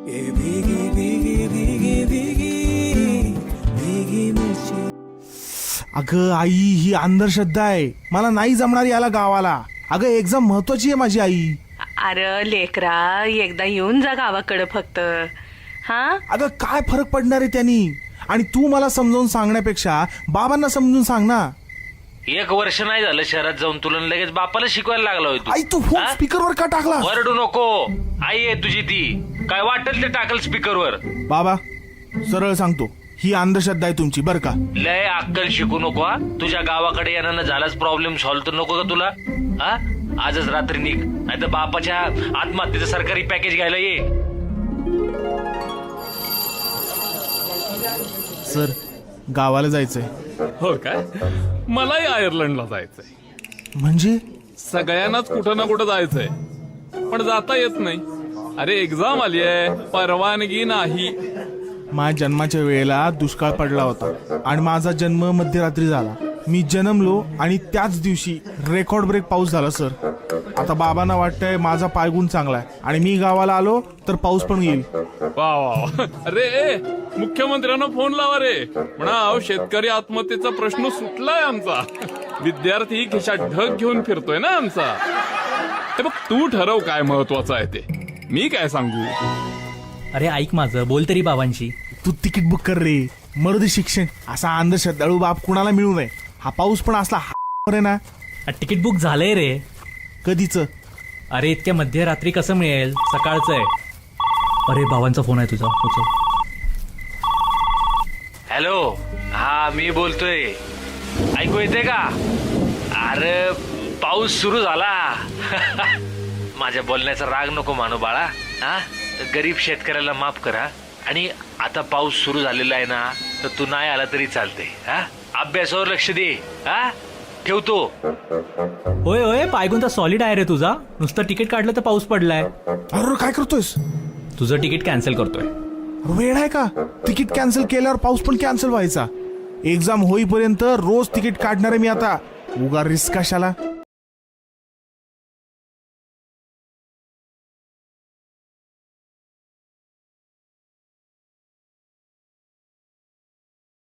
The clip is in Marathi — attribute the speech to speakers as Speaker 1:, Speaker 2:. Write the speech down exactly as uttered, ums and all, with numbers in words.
Speaker 1: अगं आई, ही अंधश्रद्धा आहे. मला नाही जमणार याला गावाला. अगं एक्झाम महत्वाची आहे माझी आई.
Speaker 2: अरे लेकरा, एकदा येऊन जा गावाकडे फक्त. हा
Speaker 1: अगं काय फरक पडणार आहे त्यांनी? आणि तू मला समजावून सांगण्यापेक्षा बाबांना समजून सांग ना.
Speaker 3: एक वर्ष नाही झालं शहरात जाऊन तुला लगेच बापाला शिकवायला लागला होय तू.
Speaker 1: आई तू फोन स्पीकरवर का टाकला?
Speaker 3: वरडू नको. आई आहे तुझी ती, काय वाटेल ते टाकल स्पीकरवर.
Speaker 1: बाबा सरळ सांगतो, ही अंधश्रद्धा आहे तुमची बर का.
Speaker 3: लय अक्कल शिकू नको हा. तुझ्या गावाकडे येण्यानं झालाच प्रॉब्लेम सॉल्व्ह तर नको का तुला? हा आजच रात्री निघ, नाही तर बापाच्या आत्महत्येचं सरकारी पॅकेज घ्यायला ये.
Speaker 1: सर गावाला जायचंय.
Speaker 4: हो काय? मलाही आयर्लंडला जायचंय.
Speaker 1: म्हणजे
Speaker 4: सगळ्यांनाच कुठं ना कुठं जायचंय, पण जाता येत नाही. अरे एक्झाम आली आहे, परवानगी नाही.
Speaker 1: माझ्या जन्माच्या वेळेला दुष्काळ पडला होता आणि माझा जन्म मध्यरात्री झाला. मी जन्मलो आणि त्याच दिवशी रेकॉर्ड ब्रेक पाऊस झाला सर. आता बाबांना वाटतंय माझा पायगुण चांगला आहे आणि मी गावाला आलो तर पाऊस पण येईल.
Speaker 4: वा वा. अरे मुख्यमंत्र्यांना फोन लावा रे, म्हणा शेतकरी आत्महत्येचा प्रश्न सुटलाय आमचा. विद्यार्थी खिशात ढग घेऊन फिरतोय ना आमचा. ते बघ तू ठरव काय महत्वाचं आहे ते, मी काय सांगू.
Speaker 5: अरे ऐक माझं, बोल तरी बाबांशी.
Speaker 1: तू तिकीट बुक कर रे. मरुदी शिक्षण असा अंधश्रद्धाळू बाप कुणाला मिळू नये. हा पाऊस पण असला आहे ना.
Speaker 5: तिकीट बुक झालंय रे.
Speaker 1: कधीच?
Speaker 5: अरे इतक्या मध्यरात्री कसं मिळेल, सकाळचं आहे. अरे बाबांचा फोन आहे तुझा, उचल.
Speaker 3: हॅलो, हा मी बोलतोय. ऐकू येते का? अरे पाऊस सुरू झाला. माझ्या बोलण्याचा राग नको मानू बाळा. हा गरीब शेतकऱ्याला माफ करा. आणि आता पाऊस सुरू झालेला आहे ना, तर तू नाही आला तरी चालते. हा अभ्यासावर लक्ष दे. हा ठेवतो.
Speaker 5: होय होय, पायगुण तर सॉलिड आहे रे तुझा. नुसतं तिकीट काढलं तर पाऊस पडलाय.
Speaker 1: अरे काय करतोयस?
Speaker 5: तुझं तिकीट कॅन्सल करतोय.
Speaker 1: वेळ आहे का? तिकीट कॅन्सल केल्यावर पाऊस पण कॅन्सल व्हायचा. एक्झाम होईपर्यंत रोज तिकीट काढणार आहे मी आता. उगा रिस्क कशाला.